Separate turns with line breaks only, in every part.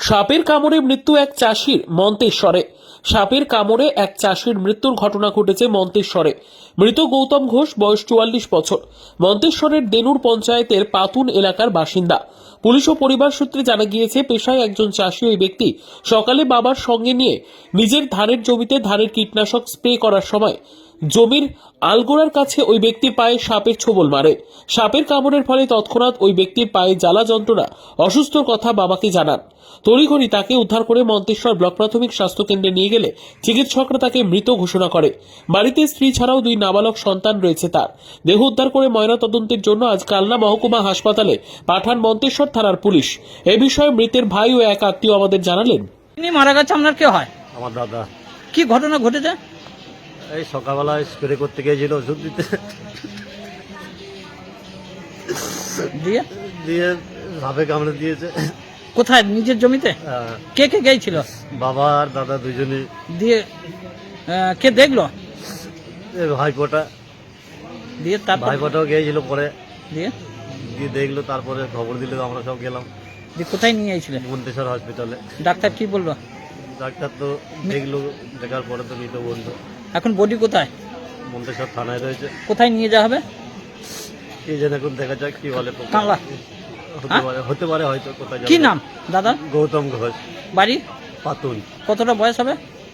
সাপের কামড়ে মৃত্যু এক চাষির মন্তেশ্বরে। সাপের কামড়ে এক চাষির মৃত্যুর ঘটনা ঘটেছে মন্তেশ্বরে। মৃত গৌতম ঘোষ, বয়স 44 বছর, মন্তেশ্বরের দেনুর পঞ্চায়েতের পাতুন এলাকার বাসিন্দা। পুলিশ ও পরিবার সূত্রে জানা গিয়েছে, পেশায় একজন চাষি ওই ব্যক্তি সকালে বাবার সঙ্গে নিয়ে নিজের ধানের জমিতে ধানের কীটনাশক স্প্রে করার সময় জমির আলগোড়ার কাছে ওই ব্যক্তির পায়ে সাপের ছোবল মারে। সাপের কামড়ের ফলে তৎক্ষণাৎ ওই ব্যক্তির পায়ে জ্বালা যন্ত্রণা, অসুস্থর কথা বাবাকে জানান। তড়িঘড়ি তাকে উদ্ধার করে মন্তেশ্বর ব্লক প্রাথমিক স্বাস্থ্য কেন্দ্রে নিয়ে গেলে চিকিৎসকরা তাকে মৃত ঘোষণা করে। বাড়িতে স্ত্রী ছাড়াও 2 নাবালক সন্তান রয়েছে তার। দেহ উদ্ধার করে ময়নাতদন্তের জন্য আজ কালনা মহকুমা হাসপাতালে পাঠান মন্তেশ্বর থানার পুলিশ। এ বিষয়ে মৃতের ভাই ও এক আত্মীয় আমাদের জানালেন।
তিনি মারা গেছে, আপনার কে হয়?
আমার দাদা।
কি ঘটনা ঘটেছে?
এই সকালবেলা স্প্রে করতে গিয়েছিল ওষুধ দিতে,
দিয়ে
দিয়ে সাপে কামড়ে দিয়েছে।
কোথায়? নিজের জমিতে? কে কে গিয়েছিল?
বাবা আর দাদা দুজনই।
দিয়ে কে দেখলো?
ভাইপোটা,
দিয়ে তারপর
ভাইপোটাও গিয়েছিল পরে,
দিয়ে
দিয়ে দেখলো, তারপরে খবর দিল, আমরা সব গেলাম
দিয়ে কোথায় নিয়ে গিয়েছিলেন?
মন্তেশ্বর হসপিটালে।
ডাক্তার কি বললো?
ডাক্তার তো দেখলো, দেখার পরে তো মৃত বললো।
এখন বডি কোথায়?
মন্তেশ্বর থানায় রয়েছে।
কোথায় নিয়ে যাওয়া হবে?
কি যেন এখন দেখা যাক কি বলে।
কাংলা
হতে পারে হয়তো। কোথায়
কি নাম দাদা?
গৌতম ঘোষ,
বাড়ি
পাতুন।
কতটা বয়স হবে?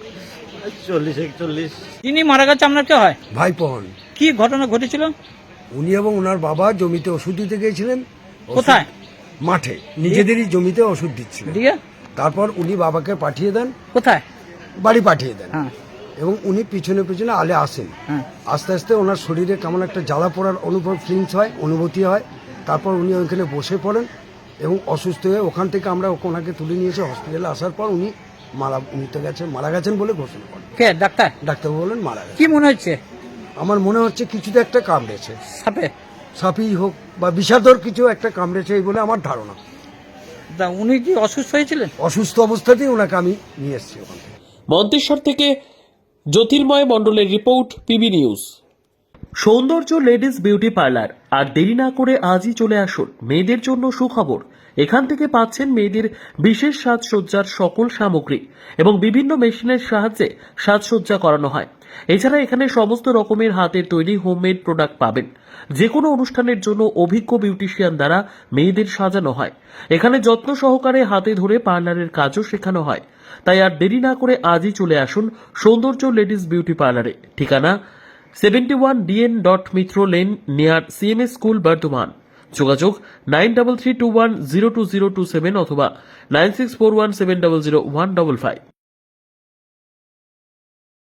40-41।
তিনি মারা গেছে, আপনার কে হয়?
ভাইপো হন।
কি ঘটনা ঘটেছিল?
উনি এবং ওনার বাবা জমিতে ওষুধ দিতে গিয়েছিলেন। ওষুধ
কোথায়?
মাঠে, নিজেদেরই জমিতে ওষুধ দিচ্ছিলেন।
দিয়ে
তারপর উনি বাবাকে পাঠিয়ে দেন,
কোথায়?
বাড়ি পাঠিয়ে দেন।
হ্যাঁ
এবং উনি পিছনে পিছনে আলে আসেন।
হ্যাঁ
আস্তে আস্তে ওনার শরীরে কেমন একটা জ্বালা পোড়ার ফিলিংস হয়, অনুভূতি হয়। তারপর উনি ওইখানে বসে পড়েন এবং অসুস্থ হয়ে ওখান থেকে আমরা ওনাকে তুলে নিয়েছি হসপিটালে। আসার পর উনি মারা গেছেন বলে ঘোষণা করেন।
কে ডাক্তার?
ডাক্তারবাবু বলেন মারা গেছেন।
কি মনে হচ্ছে?
আমার মনে হচ্ছে কিছুতে একটা কামড়েছে,
সাপে?
সাপই হোক বা বিষাদর কিছু একটা কামড়েছে এই বলে আমার ধারণা।
তা উনি কি অসুস্থ হয়েছিলেন?
অসুস্থ অবস্থাতেই ওনাকে আমি নিয়ে এসেছি ওখান থেকে।
মন্তেশ্বর থেকে জ্যোতির্ময় মণ্ডলের report, PB news. Soundarya ladies beauty parlour. আর দেরি না করে আজই চলে আসুন। মেয়েদের জন্য সুখবর, এখান থেকে পাচ্ছেন মেয়েদের বিশেষ সাজসজ্জার সকল সামগ্রী এবং বিভিন্ন মেশিনের সাহায্যে সাজসজ্জা করানো হয়। এছাড়া এখানে সমস্ত রকমের হাতের তৈরি হোমমেড প্রোডাক্ট পাবেন। যে কোনো অনুষ্ঠানের জন্য অভিজ্ঞ বিউটিশিয়ান দ্বারা মেয়েদের সাজানো হয়। এখানে যত্ন সহকারে হাতে ধরে পার্লারের কাজও শেখানো হয়। তাই আর দেরি না করে আজই চলে আসুন সৌন্দর্য লেডিস বিউটি পার্লারে। ঠিকানা 71 DN Mitra lane, near CMS school, Bardhaman. যোগাযোগ 9331020027 অথবা 9641700155।